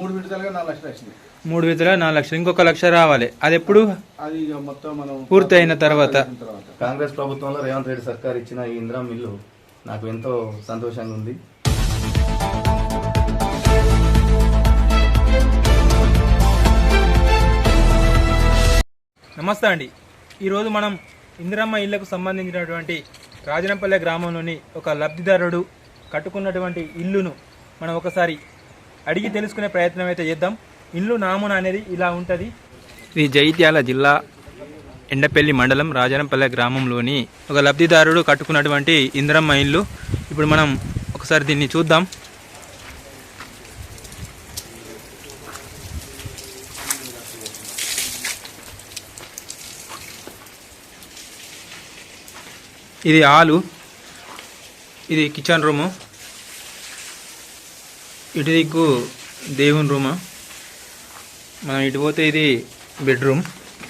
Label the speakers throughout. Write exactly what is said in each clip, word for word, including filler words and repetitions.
Speaker 1: మూడు విడతలుగా నాలుగు లక్షలు వచ్చింది.
Speaker 2: మూడు విడతలుగా నాలుగు లక్షలు, ఇంకొక లక్ష రావాలి. అది ఎప్పుడు
Speaker 1: అది మొత్తం మనం
Speaker 2: పూర్తి అయిన తర్వాత.
Speaker 3: కాంగ్రెస్ ప్రభుత్వంలో రేవంత్ రెడ్డి సర్కార్ ఇచ్చిన ఈ ఇందిరా మిల్లు నాకు ఎంతో సంతోషంగా ఉంది.
Speaker 2: నమస్తే అండి. ఈరోజు మనం ఇందిరమ్మ ఇళ్లకు సంబంధించినటువంటి రాజనంపల్లె గ్రామంలోని ఒక లబ్ధిదారుడు కట్టుకున్నటువంటి ఇల్లును మనం ఒకసారి అడిగి తెలుసుకునే ప్రయత్నం అయితే చేద్దాం. ఇల్లు నామున అనేది ఇలా ఉంటుంది. ఇది జైత్యాల జిల్లా ఎండపల్లి మండలం రాజనంపల్లె గ్రామంలోని ఒక లబ్ధిదారుడు కట్టుకున్నటువంటి ఇందిరమ్మ ఇల్లు. ఇప్పుడు మనం ఒకసారి దీన్ని చూద్దాం. ఇది హాలు, ఇది కిచెన్ రూము, ఇటు దిక్కు దేవుని రూము, మనం ఇటు పోతే ఇది బెడ్రూమ్,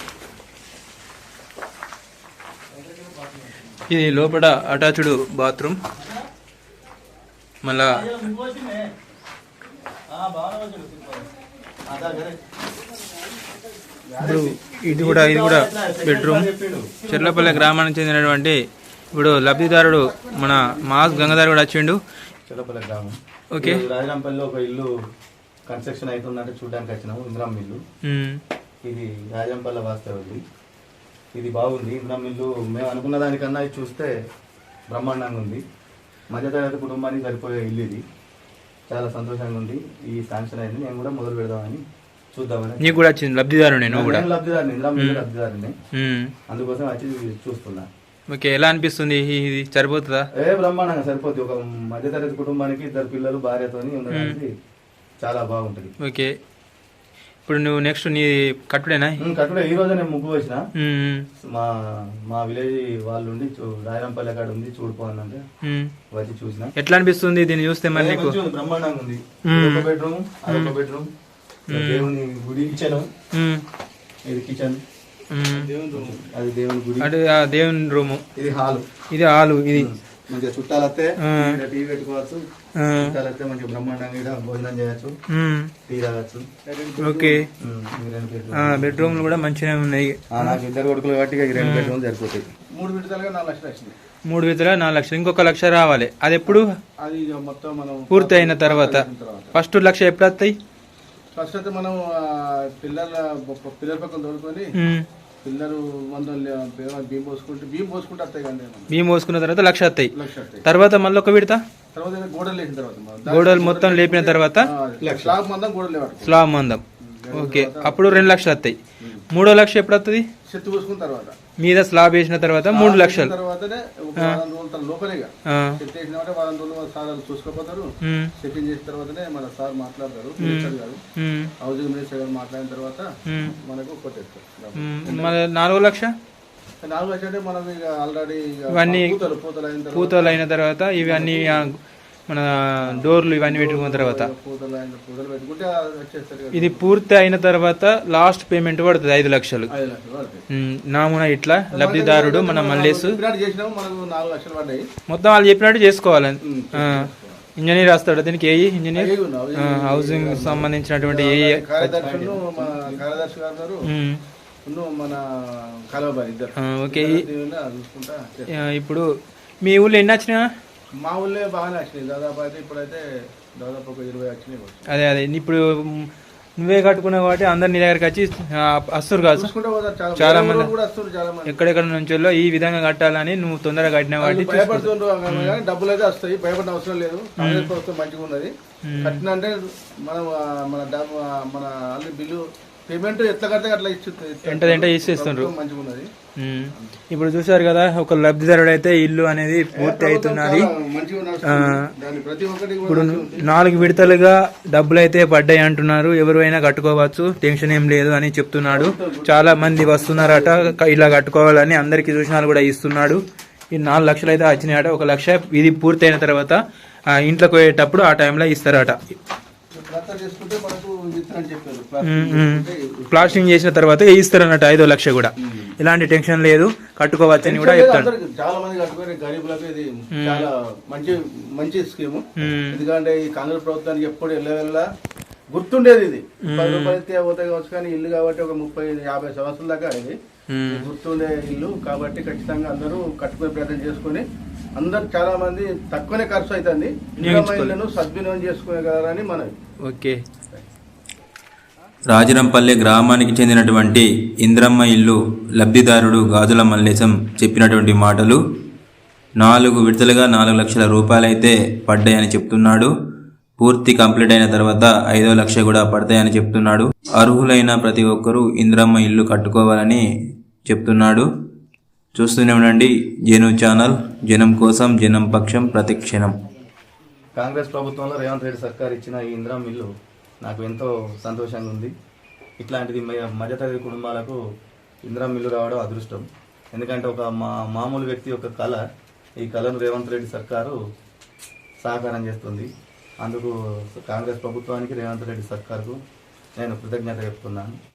Speaker 2: ఇది లోపల అటాచ్డ్ బాత్రూమ్, మళ్ళా ఇప్పుడు ఇది కూడా ఇది కూడా బెడ్రూమ్. చెర్లపల్లె గ్రామానికి చెందినటువంటి ఇప్పుడు లబ్ధిదారుడు మన మాస్ గంగాధర్ కూడా వచ్చిండు.
Speaker 3: చెర్లపల్లె గ్రామం.
Speaker 2: ఓకే,
Speaker 3: రాజనంపల్లిలో ఒక ఇల్లు కన్స్ట్రక్షన్ అవుతుందంటే చూడడానికి వచ్చినాము. ఇందిరమ్మ ఇల్లు ఇది రాజంపల్లె వాస్తవం. ఇది బాగుంది. ఇందిరమ్మ ఇల్లు మేము అనుకున్న దానికన్నా ఇది చూస్తే బ్రహ్మాండంగా ఉంది. మధ్యతరగతి కుటుంబానికి సరిపోయే ఇల్లు ఇది. చాలా సంతోషంగా ఉంది. ఈ శాంక్షన్ అయింది, నేను కూడా మొదలు పెడదామని చూద్దామని.
Speaker 2: నీకు కూడా వచ్చింది లబ్ధిదారు? నేను కూడా
Speaker 3: లబ్ధిదారుని, ఇందిరమ్మ ఇల్లు లబ్ధిదారుని, అందుకోసం వచ్చి చూస్తున్నా.
Speaker 2: ఓకే, ఎలా అనిపిస్తుంది? ఇది సరిపోతుందా?
Speaker 3: ఏ బ్రహ్మాండంగా సరిపోతుంది. ఒక మధ్యతరగతి కుటుంబానికి ఇద్దరు పిల్లలు భార్యతోని ఉండడానికి చాలా బాగుంటది.
Speaker 2: ఓకే, ఇప్పుడు నువ్వు నెక్స్ట్ నీ కట్టుడేనా?
Speaker 3: కట్టుడే. ఈ రోజు నేను ముగ్గు వచ్చిన మా మా విలేజ్ వాళ్ళు ఉండి రాయరంపల్లి కాడ ఉంది చూడిపోవాలంటే వచ్చి చూసిన.
Speaker 2: ఎట్లా అనిపిస్తుంది దీన్ని చూస్తే? మరి నీకు
Speaker 3: బ్రహ్మాండంగా ఉంది. ఒక బెడ్రూమ్, అదొక బెడ్రూమ్, దేవుని గుడి, కిచెన్, ఇది కిచెన్, అది దేవుని గుడి,
Speaker 2: అంటే దేవుని రూము,
Speaker 3: ఇది హాలు,
Speaker 2: ఇది హాలు. ఇది
Speaker 3: మంచిగా చుట్టాలు వస్తే టీవీ పెట్టుకోవచ్చు. చుట్టాలు వస్తే మంచిగా బ్రహ్మాండంగా భోజనం చేయొచ్చు, టీ తాగొచ్చు.
Speaker 2: ఓకే, బెడ్రూమ్లు కూడా మంచిగా ఉన్నాయి.
Speaker 3: నాకు ఇద్దరు కొడుకులు కాబట్టి రెండు బెడ్రూమ్ సరిపోతాయి.
Speaker 1: మూడు విడతలుగా నాలుగు లక్షలు వచ్చింది.
Speaker 2: మూడు విడతలుగా నాలుగు లక్షలు, ఇంకొక లక్ష రావాలి. అది ఎప్పుడు
Speaker 1: అది మొత్తం మనం
Speaker 2: పూర్తి అయిన తర్వాత. ఫస్ట్ లక్ష ఎప్పుడు వస్తాయి?
Speaker 1: ఫస్ట్ అయితే మనం పిల్లల పిల్లల పక్కన తోడుకొని పిల్లలు వందలు బియ్యం పోసుకుంటే బియ్యం పోసుకుంటే వస్తాయి కానీ
Speaker 2: బియ్యం పోసుకున్న తర్వాత లక్ష వస్తాయి.
Speaker 1: లక్ష వస్తాయి.
Speaker 2: తర్వాత మళ్ళీ ఒక విడత
Speaker 1: తర్వాత గోడలు లేచిన తర్వాత
Speaker 2: గోడలు మొత్తం లేపిన తర్వాత
Speaker 1: స్లాబ్ మందం గోడలు లేవు.
Speaker 2: స్లాబ్ మందం. ఓకే, అప్పుడు రెండు లక్షలు వస్తాయి. మూడో లక్ష ఎప్పుడు వస్తుంది?
Speaker 1: చెత్త పోసుకున్న తర్వాత
Speaker 2: మీద స్లాబ్ వేసిన తర్వాత మూడు లక్షలు.
Speaker 1: తర్వాతనే వారం రోజుల లోపలేగా చెత్త వేసినామంటే వారం రోజులు సార్ చూసుకోపోతారు. సెట్టింగ్ చేసిన తర్వాతనే మన సార్ మాట్లాడతారు. మినిస్టర్ గారు, హౌసింగ్ మినిస్టర్ గారు మాట్లాడిన తర్వాత మనకు కొట్టేస్తారు.
Speaker 2: మన నాలుగో లక్ష
Speaker 1: నాలుగు లక్ష అంటే మనం ఇక ఆల్రెడీ
Speaker 2: ఇవన్నీ
Speaker 1: పూతలు పూతలు అయిన తర్వాత
Speaker 2: పూతలు అయిన తర్వాత ఇవన్నీ మన డోర్లు ఇవన్నీ పెట్టుకున్న తర్వాత
Speaker 1: పూతలు అయిన పూతలు పెట్టుకుంటే వచ్చేస్తారు.
Speaker 2: ఇది పూర్తి అయిన తర్వాత లాస్ట్ పేమెంట్ పడుతుంది ఐదు లక్షలు.
Speaker 1: ఐదు లక్షలు పడుతుంది.
Speaker 2: నామున ఇట్లా లబ్ధిదారుడు మన మల్లేసు
Speaker 1: చేసినాము. మనకు నాలుగు లక్షలు పడ్డాయి.
Speaker 2: మొత్తం వాళ్ళు చెప్పినట్టు చేసుకోవాలి. ఇంజనీర్ వస్తాడు దీనికి. ఏ ఇంజనీర్ హౌసింగ్ సంబంధించినటువంటి ఏ
Speaker 1: కార్యదర్శులు కార్యదర్శి గారు మన కలవబారి ఇద్దరు.
Speaker 2: ఓకే, ఇప్పుడు మీ ఊళ్ళో ఎన్ని వచ్చినా?
Speaker 1: మా ఊళ్ళో బాగానే వచ్చినాయి. దాదాపు అయితే ఇప్పుడైతే దాదాపు ఒక ఇరవై వచ్చినాయి.
Speaker 2: అదే అదే ఇప్పుడు నువ్వే కట్టుకున్నావు కాబట్టి అందరు నీ దగ్గరికి వచ్చి వస్తారు కాదు. చాలా మంది ఎక్కడెక్కడ నుంచో ఈ విధంగా కట్టాలని నువ్వు తొందరగా కట్టినా కాబట్టి
Speaker 1: భయపడుతుండ్రు. డబ్బులు అయితే వస్తాయి, భయపడిన అవసరం లేదు. కాంగ్రెస్ ప్రభుత్వం మంచిగా ఉన్నది. కట్టిన అంటే మనం మన మన అల్లి బిల్లు పేమెంట్ ఎట్లా కడితే అట్లా
Speaker 2: ఇచ్చి ఇచ్చేస్తుండ్రు.
Speaker 1: మంచిగా ఉన్నది.
Speaker 2: ఇప్పుడు చూసారు కదా, ఒక లబ్ధిదారుడు అయితే ఇల్లు అనేది పూర్తి అవుతున్నది. ఇప్పుడు నాలుగు విడతలుగా డబ్బులు అయితే పడ్డాయి అంటున్నారు. ఎవరైనా కట్టుకోవచ్చు, టెన్షన్ ఏం లేదు అని చెప్తున్నాడు. చాలా మంది వస్తున్నారట ఇలా కట్టుకోవాలని. అందరికి సూచనలు కూడా ఇస్తున్నాడు. ఈ నాలుగు లక్షలు అయితే వచ్చినాయట. ఒక లక్ష ఇది పూర్తి అయిన తర్వాత ఇంట్లోకి పోయేటప్పుడు ఆ టైంలో ఇస్తారట. ప్లాస్టింగ్ చేసిన తర్వాత ఇస్తారు అన్నట్టు ఐదో లక్ష కూడా. ఎలాంటి టెన్షన్ లేదు, కట్టుకోవచ్చని కూడా చెప్తాడు.
Speaker 1: చాలా మంది కట్టుకునే గరీబులకు ఇది చాలా మంచి మంచి స్కీమ్. ఎందుకంటే ఈ కాంగ్రెస్ ప్రభుత్వానికి ఎప్పుడు వెళ్ళ గుర్తుండేది ఇది పది రూపాయలు ఇస్తే పోతాయి కావచ్చు, కానీ ఇల్లు కాబట్టి ఒక ముప్పై యాభై సంవత్సరాల దాకా ఇది గుర్తుండే ఇల్లు కాబట్టి ఖచ్చితంగా అందరూ కట్టుకునే ప్రయత్నం చేసుకుని అందరు చాలా మంది తక్కువనే ఖర్చు అవుతుంది ఇందిరమ్మ ఇళ్లను సద్వినియోగం చేసుకునేగలరని మనవి.
Speaker 2: ఓకే.
Speaker 4: రాజరంపల్లె గ్రామానికి చెందినటువంటి ఇంద్రమ్మ ఇల్లు లబ్ధిదారుడు గాజుల మల్లేశం చెప్పినటువంటి మాటలు. నాలుగు విడతలుగా నాలుగు లక్షల రూపాయలైతే పడ్డాయని చెప్తున్నాడు. పూర్తి కంప్లీట్ అయిన తర్వాత ఐదో లక్ష కూడా పడతాయని చెప్తున్నాడు. అర్హులైన ప్రతి ఒక్కరూ ఇంద్రమ్మ ఇల్లు కట్టుకోవాలని చెప్తున్నాడు. చూస్తూనే ఉండండి జేను ఛానల్. జనం కోసం, జనం పక్షం, ప్రతిక్షణం.
Speaker 3: కాంగ్రెస్ ప్రభుత్వంలో రేవంత్ రెడ్డి సర్కార్ ఇచ్చిన ఈ ఇందిరమ్మ ఇల్లు నాకు ఎంతో సంతోషంగా ఉంది. ఇట్లాంటిది మధ్యతరగతి కుటుంబాలకు ఇందిరమ్మ ఇల్లు రావడం అదృష్టం. ఎందుకంటే ఒక మా మామూలు వ్యక్తి యొక్క కళ, ఈ కళను రేవంత్ రెడ్డి సర్కారు సహకారం చేస్తుంది. అందుకు కాంగ్రెస్ ప్రభుత్వానికి, రేవంత్ రెడ్డి సర్కార్కు నేను కృతజ్ఞత చెప్తున్నాను.